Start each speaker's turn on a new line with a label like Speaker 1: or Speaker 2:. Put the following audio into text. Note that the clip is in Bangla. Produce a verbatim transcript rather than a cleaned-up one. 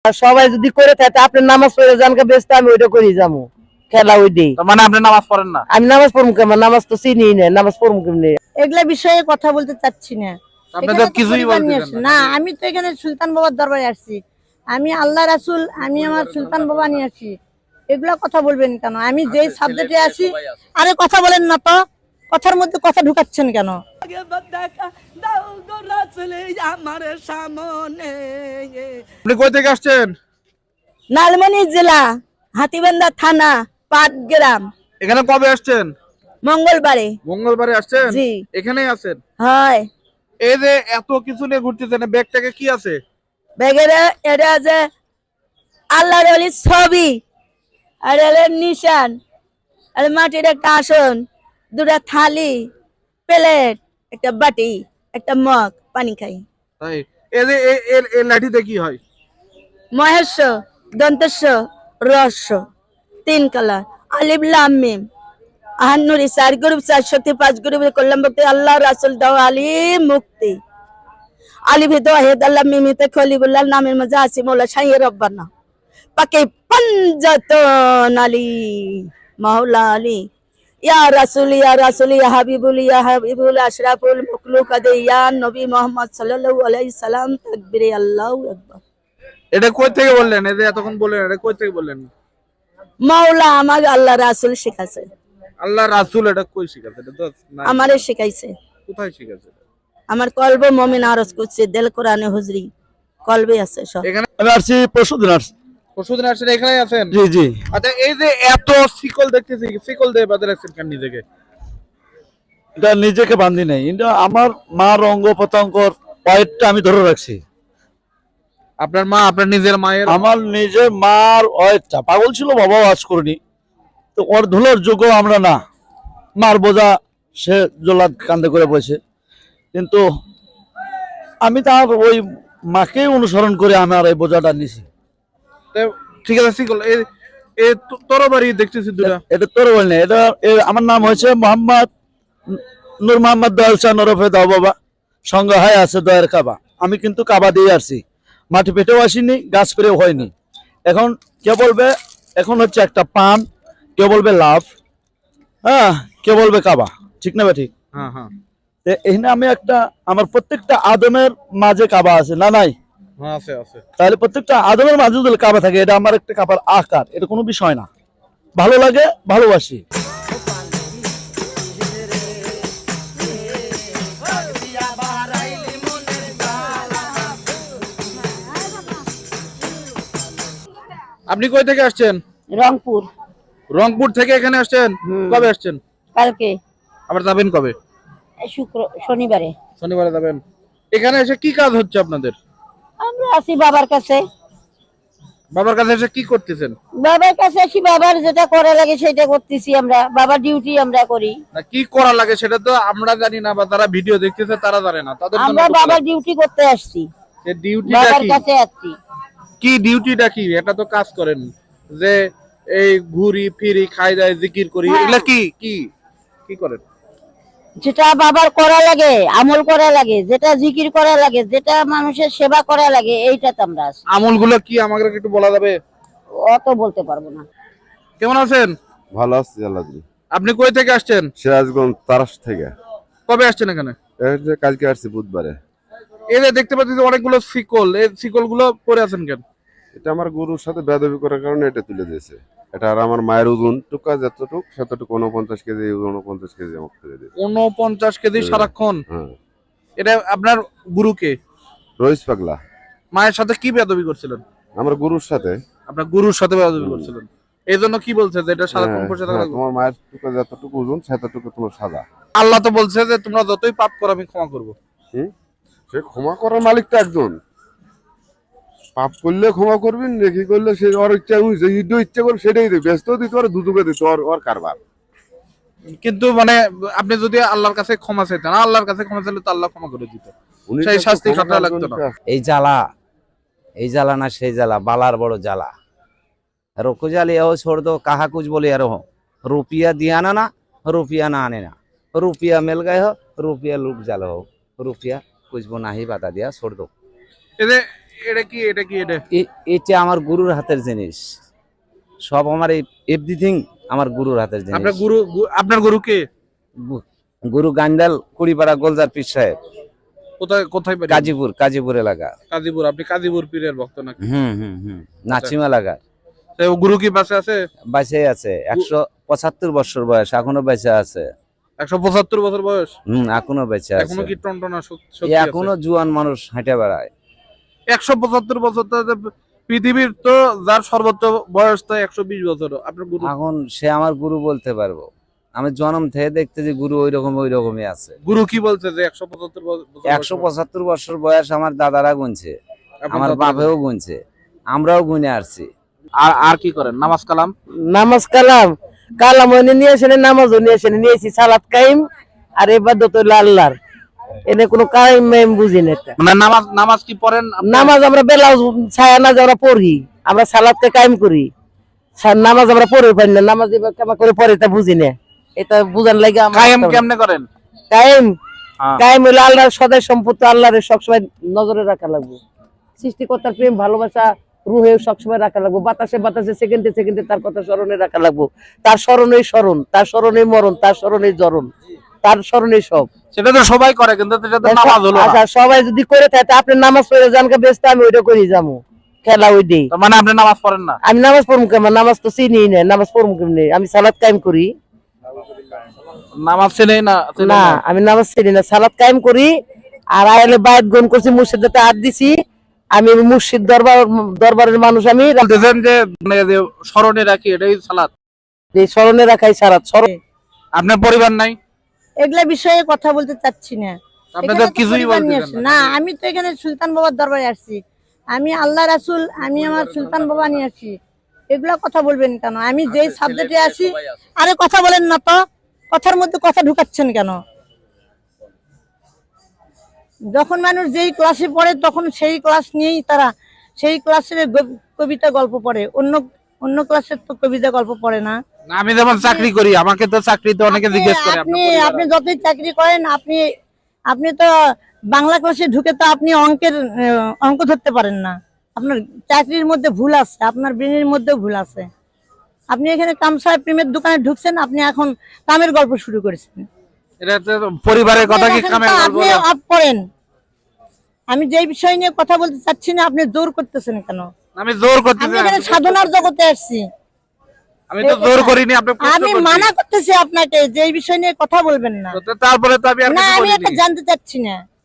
Speaker 1: সবাই যদি করে থাকে আপনি নামাজ পড়ে জানকে ব্যস্ত আমি ওইটা করি যাবো খেলা ওই দিই।
Speaker 2: মানে আপনি নামাজ পড়েন না?
Speaker 1: আমি নামাজ পড়বো কেমন? নামাজ তো চিনি না, নামাজ পড়বো কেমনি?
Speaker 3: এগুলা বিষয়ে কথা বলতে চাচ্ছি না।
Speaker 2: আপনি তো কিছুই বলতেছেন
Speaker 3: না। আমি তো এখানে সুলতান বাবার দরবারে আসছি। আমি আল্লাহ রাসূল, আমি আমার সুলতান বাবা নিয়ে আসি। এগুলা কথা বলবেন কেন? আমি যেই সাবজেক্টে আছি। আরে কথা বলেন না তো, কথার মধ্যে কথা ঢুকাচ্ছেন কেন?
Speaker 2: আপনি কই থেকে আসছেন?
Speaker 3: লালমনি জেলা, হাতীবান্ধা থানা, পাটগ্রাম।
Speaker 2: এখানে কবে আসছেন?
Speaker 3: মঙ্গলবারে।
Speaker 2: মঙ্গলবারে আসছেন?
Speaker 3: জি।
Speaker 2: এখানেই আছেন?
Speaker 3: হয়।
Speaker 2: এই যে এত কিছু নিয়ে ঘুরতেছেন, ব্যাগটাকে কি আছে?
Speaker 3: ব্যাগের এটা আছে আল্লাহর ওলির ছবি, আর এর নিশান, আর মাটির একটা আসন, দুটা থালি, প্লেট, একটা বাটি, একটা মগ, পানি খাই।
Speaker 2: তাই এই যে এই লাঠিতে কি হয়?
Speaker 3: মহেশ, দন্তস্ব, রস্য, তিন কালার, আলিফ লাম মিম, আহান্নুরি চার গ্রুপ, চার শক্তি পাঁচ গ্রুপের কল্যাণ ভক্তি, আল্লাহ রাসূল দাও আলী মুক্তি। আলিফে দোয়াহেদ আল্লাহ মিমিতে খলিবুল্লাহ, নামের মাঝে আছে মৌলা শাইয়ে রব্বানা পাকে পঞ্জাতন আলী মাওলা আলী ইয়া রাসূল ইয়া রাসূল ইয়া হাবিবুল ইয়া হাবিবুল আশরাফুল মাখলুকাত ইয়া নবী মুহাম্মদ সাল্লাল্লাহু আলাইহি সাল্লাম। তাকবীরে আল্লাহু আকবার।
Speaker 2: এটা কই থেকে বললেন? এই যে এতক্ষণ বললেন, এটা কই থেকে বললেন?
Speaker 3: মাওলা আমাকে আল্লাহ রাসূল শিখাছে।
Speaker 2: আল্লাহ রাসূল এটা কই শিখাছে? এটা তো
Speaker 3: আমারে শিখাইছে।
Speaker 2: কোথায় শিখাছে?
Speaker 3: আমার কলবে মুমিন আরজ করছে, দিল কোরআনে হুজরি কলবে আছে সব।
Speaker 2: এখানে
Speaker 4: আমি আসছি পরশুদিন আসছি।
Speaker 2: পরশুদিন আসছেন, এখানেই আছেন?
Speaker 4: জি জি।
Speaker 2: আচ্ছা, এই যে এত শিকল দেখতেছি, শিকল দিয়ে বাঁধে রাখছেন কেন নিজেকে?
Speaker 4: এটা নিজেকে বান্ধি নাই, এটা আমার মার অঙ্গ প্রত্যঙ্গর পয়েন্টটা আমি ধরে রাখছি।
Speaker 2: আপনার মা, আপনার নিজের মায়ের?
Speaker 4: আমার নিজের মার অয়েটটা পাগল ছিল, বাবাও আজ করিনি, তো ওর ধুলোর যোগ্য আমরা না। মার বোঝা সে জোলাদ কান্দে করে বসে, কিন্তু আমি তার ওই মাকেই অনুসরণ করে আমার এই বোঝাটা নিছি।
Speaker 2: ঠিক আছে, শিকল এই এই তরবারি দেখতেছি দুটা।
Speaker 4: এটা তোর বল না, এটা আমার নাম হয়েছে মোহাম্মদ নূর মোহাম্মদ দয়াল শাহ নরফে দাও বাবা, সঙ্গে হয় আছে দয়ের কাবা। আমি কিন্তু কাবা দিয়ে আসছি, মাটি পেটেও আসিনি, গাছ পেরেও হয়নি। এখন কে বলবে এখন হচ্ছে একটা পান, কে বলবে লাভ, হ্যাঁ কে বলবে কাবা, ঠিক না? ঠিক।
Speaker 2: হ্যাঁ হ্যাঁ।
Speaker 4: এখানে আমি একটা আমার প্রত্যেকটা আদমের মাঝে কাবা আছে না নাই?
Speaker 2: হ্যাঁ আছে আছে।
Speaker 4: তাহলে প্রত্যেকটা আদমের মাঝে যদি কাবা থাকে, এটা আমার একটা কাবার আকার, এটা কোনো বিষয় না। ভালো লাগে, ভালোবাসি।
Speaker 2: আপনি কই থেকে আসছেন?
Speaker 3: রংপুর।
Speaker 2: রংপুর থেকে এখানে আসছেন? কবে আসছেন?
Speaker 3: কালকে।
Speaker 2: আবার যাবেন কবে?
Speaker 3: শুক্র শনিবারে।
Speaker 2: শনিবারে যাবেন। এখানে এসে কি কাজ হচ্ছে আপনাদের?
Speaker 3: আমরা আছি বাবার কাছে।
Speaker 2: বাবার কাছে এসে কি করতেছেন?
Speaker 3: বাবার কাছে আসি, বাবার যেটা করা লাগে সেটা করতেছি আমরা। বাবার ডিউটি আমরা করি।
Speaker 2: না কি করা লাগে সেটা তো আমরা জানি না, বা যারা ভিডিও দেখতেছে তারা জানে না, তাদের জন্য
Speaker 3: আমরা বাবার ডিউটি করতে আসছি।
Speaker 2: এই ডিউটিটা
Speaker 3: বাবার
Speaker 2: কি?
Speaker 3: কাছে আসছি।
Speaker 2: কি ডিউটিটা কি? এটা তো কাজ করেন যে এই ঘুরি ফিরি খাই দাই জিকির করি, এগুলা কি কি কি করেন?
Speaker 3: যেটা বাবার করা লাগে, আমল করা লাগে, যেটা জিকির করা লাগে, যেটা মানুষের সেবা করা লাগে, এইটাতে আমরা আছি।
Speaker 2: আমলগুলো কি আমাকে একটু বলা যাবে?
Speaker 3: অত বলতে পারবো না।
Speaker 2: কেমন আছেন?
Speaker 5: ভালো আছি আল্লাহ দিলে।
Speaker 2: আপনি কই থেকে আসছেন?
Speaker 5: সিরাজগঞ্জ তারাস থেকে।
Speaker 2: কবে আসছেন এখানে?
Speaker 5: এই যে কালকে আসছি বুধবারে।
Speaker 2: এই যে দেখতে পাচ্ছি যে অনেকগুলো শিকল, এই শিকল গুলো পরে আছেন কেন?
Speaker 5: এটা আমার গরুর সাথে বেদবি করার কারণে এটা তুলে দিয়েছে। এটা আর আমার মায়ের ওজন টুকা যতটুক সেতটুকু উনপঞ্চাশ কেজি, উনপঞ্চাশ কেজি আমাকে তুলে দিয়েছে।
Speaker 2: উনপঞ্চাশ কেজি সারাক্ষণ?
Speaker 5: হ্যাঁ।
Speaker 2: এটা আপনার গুরুকে?
Speaker 5: রইস পাগলা।
Speaker 2: মায়ের সাথে কি বেয়াদবি করছিলেন?
Speaker 5: আমার গরুর সাথে।
Speaker 2: আপনার গুরুর সাথে বেয়াদবি করছিলেন, এই জন্য কি বলছে যে এটা সারাক্ষণ বসে থাকা লাগবে?
Speaker 5: তোমার মায়ের টুকা যতটুকু ওজন সেতটুকু তোমার সাজা।
Speaker 2: আল্লাহ তো বলছে যে তোমরা যতই পাপ করো আমি ক্ষমা করবো।
Speaker 5: হুম, সে ক্ষমা করার মালিক তো একজন। পাপ করলে ক্ষমা করবি, নেকি করলে সে ওর ইচ্ছা, ইচ্ছা করবে সেটাই দেবে, ব্যস্ত দিতে পারে, দুদুকে দিতে ওর ওর কারবার।
Speaker 2: কিন্তু মানে আপনি যদি আল্লাহর কাছে ক্ষমা চাইতেন, আল্লাহর কাছে ক্ষমা চাইলে তো আল্লাহ ক্ষমা করে দিত, সেই শাস্তি খাটা লাগতো না।
Speaker 6: এই জ্বালা, এই জ্বালা না সেই জ্বালা, বালার বড় জ্বালা। রোকো জালি এও ছোড় দো, কাহা কুछ बोले यार हो, रुपया दिया ना ना, रुपया ना आने ना, रुपया मिल गए हो, रुपया लुट जालो हो, रुपया कुछ वो नहीं बता दिया, छोड़ दो।
Speaker 2: এই যে এটা কি এটা কি এটা
Speaker 6: এ- এটা আমার গুরুর হাতের জিনিস, সব আমার এভরিথিং আমার গুরুর হাতের জিনিস।
Speaker 2: আপনার গুরু গু- আপনার গুরু কে?
Speaker 6: গু- গুরু গান্ডাল কুড়িপাড়া গোলজার পীর সাহেব,
Speaker 2: কোথায় কোথায় বাড়ি?
Speaker 6: কাজীপুর কাজীপুর এলাকা।
Speaker 2: কাজীপুর। আপনি কাজীপুর পীরের ভক্ত নাকি?
Speaker 6: হুম হুম হুম নাচিম এলাকা।
Speaker 2: তো গুরু কি বাসে আছে?
Speaker 6: বেঁচে আছে, একশো পঁচাত্তর বছর বয়স, এখনো বেঁচে আছে।
Speaker 2: একশো পঁচাত্তর বছর বয়স,
Speaker 6: হম এখনো বেঁচে আছে।
Speaker 2: এখনো কি টনটনা শক-
Speaker 6: এ
Speaker 2: শক্তি আছে?
Speaker 6: এখনো জুয়ান মানুষ হেঁটে বেড়ায়।
Speaker 2: একশো পঁচাত্তর বছর তো যে পৃথিবীর তো যার সর্বোচ্চ বয়স তো একশো বিশ বছর। আপনার গুরু
Speaker 6: এখন সে আমার গুরু বলতে পারবো, আমি জন্ম থেকে দেখতে যে গুরু ওই রকম ওই রকমই আছে।
Speaker 2: গুরু কি বলছে যে একশো পঁচাত্তর বছর
Speaker 6: একশো পঁচাত্তর বছর বয়স আমার দাদারা গুনছে,
Speaker 2: আপনার
Speaker 6: আমার
Speaker 2: দাদা-
Speaker 6: বাপেও গুনছে, আমরাও গুনে আসছি।
Speaker 2: আর আর কি করেন? নামাজ কালাম?
Speaker 1: নামাজ কালাম কালাম ওনে নিয়ে আসেন, নামাজও নিয়ে আসেন, নিয়েছি সালাত কাইম আর ইবাদত হইলো আল্লাহর। এনে কোনো কাইম মাইম বুঝি না এটা।
Speaker 2: মানে নামাজ নামাজ কি পড়েন আপনি?
Speaker 1: নামাজ আমরা বেলা ছায়া নাজ আমরা পড়ি, আমরা সালাতকে কায়েম করি। সা- নামাজ আমরা পড়ে পারি না, নামাজ এবার কেমন করে পড়ে তা বুঝি না। এটা বুঝার লাগে আমার
Speaker 2: কায়েম কেমনে করেন?
Speaker 1: কায়েম
Speaker 2: হ্যাঁ।
Speaker 1: কায়েম হইলো আল্লাহর সদাই সম্পত্তি, আল্লাহরে সবসময় নজরে রাখা লাগবে। সৃষ্টিকর্তার প্রেম ভালোবাসা রুহে সবসময় রাখা লাগবে, বাতাসে বাতাসে সেকেন্ডে সেকেন্ডে তার কথা স্মরণে রাখা লাগবে। তার স্মরণেই স্মরণ, তার স্মরণেই মরণ, তার স্মরণেই জরণ, তার স্মরণেই সব।
Speaker 2: সেটা তো সবাই করে, কিন্তু এটা তো নামাজ হলো না।
Speaker 1: আচ্ছা সবাই যদি করে থাকে তা আপনি নামাজ পড়ে জানকে ব্যস্ত, আমি ওইটা করি যাবো খেলা ওই দিই।
Speaker 2: তার মানে আপনি নামাজ পড়েন না?
Speaker 1: আমি নামাজ পড়বো কেমন? নামাজ তো চিনি না, নামাজ পড়বো কেমনি? আমি সালাত কায়েম করি
Speaker 2: নামাজ চেনেই না? চেনেই
Speaker 1: না,
Speaker 2: না।
Speaker 1: আমি নামাজ চিনি না, সালাত কায়েম করি। আর আয়ালে বায়াত গ্রহণ করছি, মুর্শিদাতে হাত দিছি। আমি মুর্শিদ দরবার দরবারের মানুষ, আমি
Speaker 2: বলতেছেন যে মানে যে স্মরণে রাখি এটাই সালাত।
Speaker 1: এই স্মরণে রাখাই সালাত। স্মরণ
Speaker 2: আপনার পরিবার নাই?
Speaker 3: এগুলা বিষয়ে কথা বলতে চাচ্ছি না।
Speaker 2: আপনি তো
Speaker 3: এখানে তো
Speaker 2: কিছুই
Speaker 3: পরিবার নিয়ে
Speaker 2: বলতেছেন
Speaker 3: আসছি।
Speaker 2: না।
Speaker 3: না, আমি তো এখানে সুলতান বাবার দরবারে আসছি। আমি আল্লাহ রাসূল, আমি আমার সুলতান বাবা নিয়ে আসছি। এগুলা কথা বলবেন কেন? আমি যেই সাবজেক্টে আসি, আরে কথা বলেন না তো, কথার মধ্যে কথা ঢুকাচ্ছেন কেন? যখন মানুষ যেই ক্লাসে পড়ে তখন সেই ক্লাস নিয়েই তারা সেই ক্লাসের গ- কবিতা গল্প পড়ে, অন্য অন্য ক্লাসের তো কবিতা গল্প পড়ে না।
Speaker 2: না, আমি যেমন চাকরি করি, আমাকে তো চাকরিতে অনেকে
Speaker 3: আপনি
Speaker 2: জিজ্ঞেস করে
Speaker 3: আপনি
Speaker 2: আপনার
Speaker 3: আপনি
Speaker 2: পরিবার।
Speaker 3: যতই চাকরি করেন, আপনি আপনি তো বাংলা ক্লাসে ঢুকে তো আপনি অঙ্কের আহ, অঙ্ক ধরতে পারেন না। আপনার চাকরির মধ্যে ভুল আছে, আপনার ব্রেনের মধ্যেও ভুল আছে। আপনি এখানে কামসাহেব প্রেমের দোকানে ঢুকছেন, আপনি এখন কামের গল্প শুরু করেছেন।
Speaker 2: এটা তো পরিবারের কথা কি
Speaker 3: আপনি
Speaker 2: কামে
Speaker 3: দেখেন তো,
Speaker 2: বলবো
Speaker 3: আপনি
Speaker 2: না?
Speaker 3: অফ করেন। আমি যেই বিষয় নিয়ে কথা বলতে চাচ্ছি না, আপনি জোর করতেছেন কেন?
Speaker 2: আমি জোর করতেছি
Speaker 3: আমি
Speaker 2: না,
Speaker 3: এখানে
Speaker 2: আমি তো-
Speaker 3: সাধনার জগতে আসছি।
Speaker 2: আমি তো জোর করিনি, আপনি প্রশ্ন
Speaker 3: আমি
Speaker 2: করছেন।
Speaker 3: মানা করতেছি আপনাকে যে এই বিষয় নিয়ে কথা বলবেন না।
Speaker 2: তো তারপরে তো আমি আর
Speaker 3: না,
Speaker 2: কিছু
Speaker 3: আমি এটা
Speaker 2: বলিনি।
Speaker 3: জানতে চাচ্ছি না।